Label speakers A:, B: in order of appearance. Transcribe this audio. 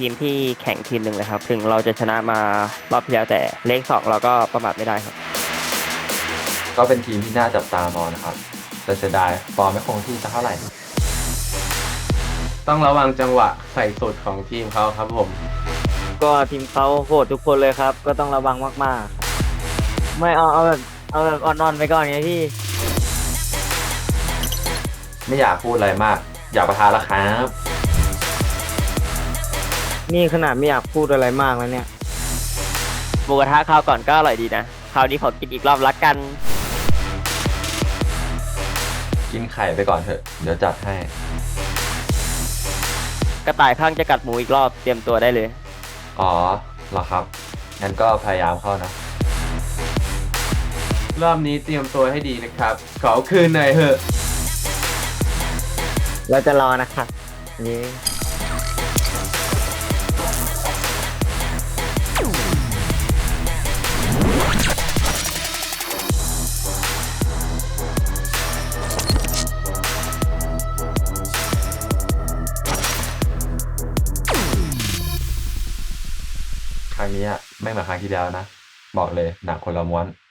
A: ทีมที่แข่งทีมหนึ่งเลยครับถึงเราจะชนะมารอบที่แล้วแต่เลข2เราก็ประมาทไม่ได้ครับ
B: ก็เป็นทีมที่น่าจับตามองนะครับแต่เสียดายฟอร์มไม่คงที่สักเท่าไหร่
C: ต้องระวังจังหวะใส่สุดของทีมเขาครับผม
D: ก็ทีมเขาโหดทุกคนเลยครับ ก็ต้องระวังมากๆไม่เอาแบบอ่อนๆไปก่อนไงพี่
B: ไม่อยากพูดอะไรมาก อยากประทานแล้วครับ
D: นี่ขนาดไม่อยากพูดอะไรมากแล้วเนี่ย
A: หมูกระทะคราวก่อนก็อร่อยดีนะคราวนี้ขอกินอีกรอบละกัน
B: กินไข่ไปก่อนเถอะ เดี๋ยวจัดให้
A: กระต่ายข้างจะกัดหมูอีกรอบเตรียมตัวได้เลย
B: อ๋อเหรอครับ งั้นก็พยายามเข้านะ
C: รอบนี้เตรียมตัวให้ดีนะครับ ขอคืนหน่อยเถอะ
D: เราจะรอนะครับนี่
B: ครั้งนี้ไม่เหมือนครั้งที่แล้วนะ บอกเลยหนักคนละม้วน